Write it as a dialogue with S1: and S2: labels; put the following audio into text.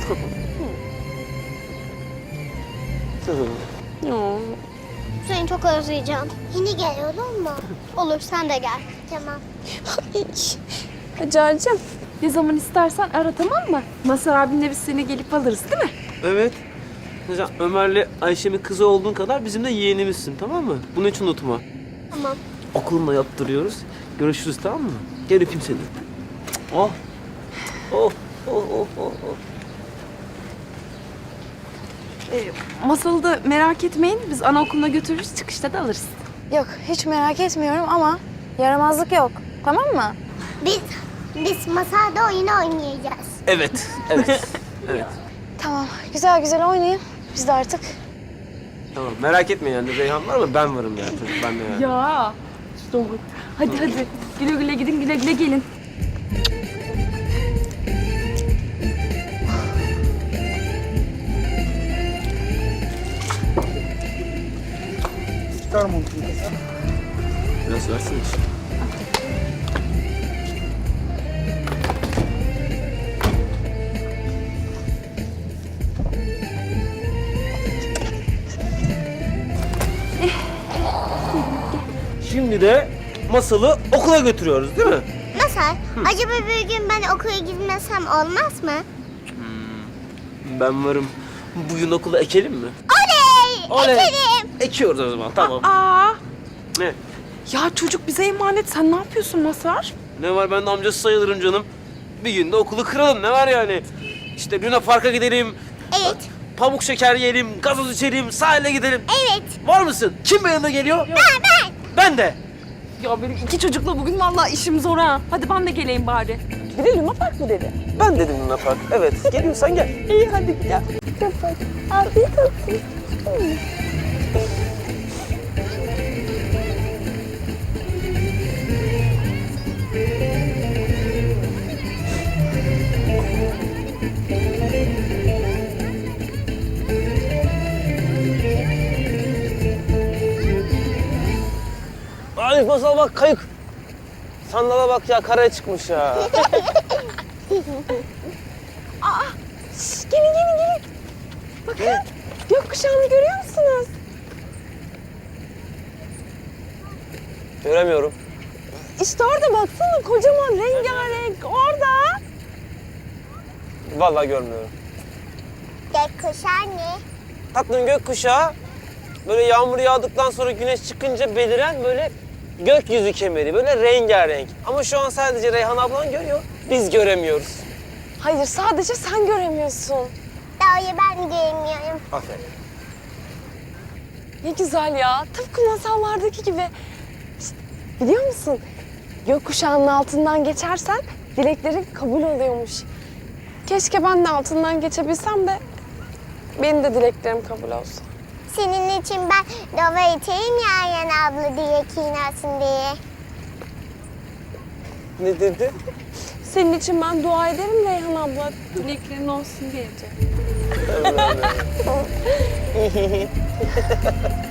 S1: Seni çok özleyeceğim. Yine gel olur mu? Olur, sen de gel. Tamam.
S2: Hacer'cim, ne zaman istersen ara, tamam mı? Mazhar abinle biz seni gelip alırız, değil mi?
S3: Evet. Mesela Ömer'le Ayşe'min kızı olduğun kadar bizim de yeğenimizsin, tamam mı? Bunu hiç unutma.
S1: Tamam.
S3: Okulunda yaptırıyoruz. Görüşürüz, tamam mı? Gel öpeyim seni. Oh. Oh. Oh. Oh. Oh. Oh.
S2: Masalı da merak etmeyin, biz anaokuluna götürürüz, çıkışta da alırız.
S4: Yok, hiç merak etmiyorum ama yaramazlık yok. Tamam mı?
S1: Biz masada oyun oynayacağız.
S3: Evet. Evet. Evet.
S4: Tamam, güzel güzel oynayın. Biz de artık...
S3: Tamam. Merak etme yani. Reyhan var mı? Ben varım yani. Ben de yani.
S2: Ya, doğru. Hadi hadi, güle güle gidin, güle güle gelin.
S5: Çıkar montunu kızım.
S3: Biraz versene işte. Şimdi de Masal'ı okula götürüyoruz değil mi?
S1: Masal, acaba bir gün ben okula gitmesem olmaz mı?
S3: Ben varım. Bugün okula ekelim mi?
S1: Oley!
S3: Oley!
S1: Ekelim!
S3: Ekiyoruz o zaman, tamam.
S2: Aa,
S3: Ne?
S2: ya çocuk bize emanet, sen ne yapıyorsun Mazhar?
S3: Ne var, ben de amcası sayılırım canım. Bir gün de okulu kıralım, ne var yani? İşte Luna Park'a gidelim.
S1: Evet.
S3: Pamuk şeker yiyelim, gazoz içelim, sahile gidelim.
S1: Evet.
S3: Var mısın? Kim benimle geliyor?
S1: Ben.
S3: Ben de.
S2: Ya benim iki çocukla bugün vallahi işim zor ha. Hadi ben de geleyim bari. Bir de Luna Park mı dedi?
S3: Ben dedim Luna Park. Evet, geliyorsan gel.
S2: İyi hadi gel. Afiyet olsun.
S3: Arif Masal bak, kayık. Sandala bak ya, karaya çıkmış ya.
S2: Gelin. Bakın, gökkuşağını görüyor musunuz?
S3: Göremiyorum.
S2: İşte orada baksana, kocaman rengarenk orada.
S3: Vallahi görmüyorum.
S1: Gökkuşağı ne?
S3: Tatlım, gökkuşağı böyle yağmur yağdıktan sonra güneş çıkınca beliren böyle gökyüzü kemeri, böyle rengarenk. Ama şu an sadece Reyhan ablan görüyor, biz göremiyoruz.
S4: Hayır, sadece sen göremiyorsun.
S1: Doğru, ben göremiyorum.
S3: Aferin.
S4: Ne güzel ya, tıpkı masallardaki gibi. İşte, biliyor musun? Gökkuşağının altından geçersen dileklerin kabul oluyormuş. Keşke ben de altından geçebilsem de benim de dileklerim kabul olsun.
S1: Senin için ben dova içeyim ya Ayhan abla diye kinarsın diye.
S3: Ne dedi?
S4: Senin için ben dua ederim Reyhan abla. Dileklerin olsun diyeceğim.